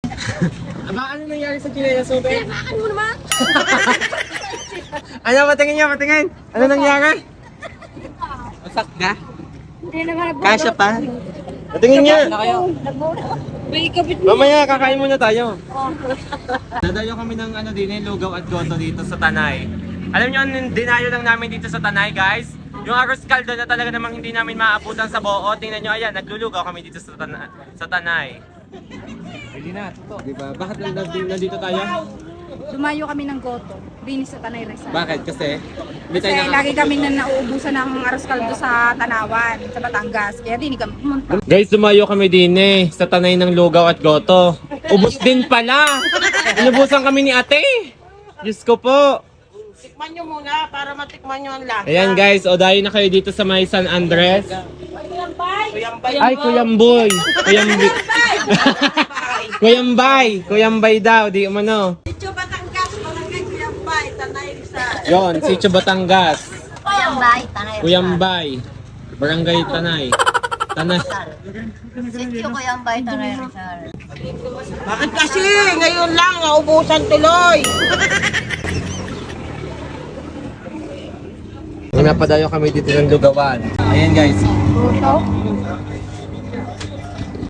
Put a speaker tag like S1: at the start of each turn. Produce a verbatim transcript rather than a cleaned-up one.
S1: Aba, ano nangyari sa Chinelas Open?
S2: Bakit mo naman?
S1: Ano, patingin niya, patingin. Ano nangyari? Masak ka?
S2: Hindi naman.
S1: Kasya pa? Patingin niya.
S2: May ikabit mo.
S1: Mamaya, kakain muna tayo. Dadayo kami ng ano din, lugaw at goto dito sa Tanay. Alam niyo, ang dinayo lang namin dito sa Tanay, guys. Yung arroz caldo na talaga namang hindi namin maabutan sa buo. Tingnan nyo, ayan, naglulugaw kami dito sa, tana sa Tanay. Hindi na, ito. Diba? Bakit nandito tayo?
S2: Dumayo kami ng Goto. Dinis sa Tanay Rizal.
S1: Bakit? Kasi? Hindi
S2: Kasi
S1: tayo
S2: lagi kami na nauubusan ng aros kaldo sa Tanawan, sa Batangas. Kaya di kami pumunta.
S1: Guys, dumayo kami din eh, sa Tanay ng lugaw at goto. Ubus din pala! Inubusan kami ni ate! Diyos ko po!
S3: Tikman nyo muna para matikman nyo ang lahat.
S1: Ayan guys, o dahil na kayo dito sa may San Andres.
S3: Kuyambay.
S1: Ay, Kuyamboy! Kuyambi... Kuyambay! Kuyambay daw, di umano.
S3: Sityo Batangas, Barangay Kuyambay, Tanay Rizal.
S1: Yon, Sitio Batangas.
S2: Kuyambay, Tanay
S1: Kuyambay. Barangay Tanay. Tanay.
S2: Sityo Kuyambay, Tanay Rizal.
S3: Bakit kasi ngayon lang naubusan tuloy?
S1: Nung napadayo kami dito ng lugawan. Ayan guys.
S2: Goto?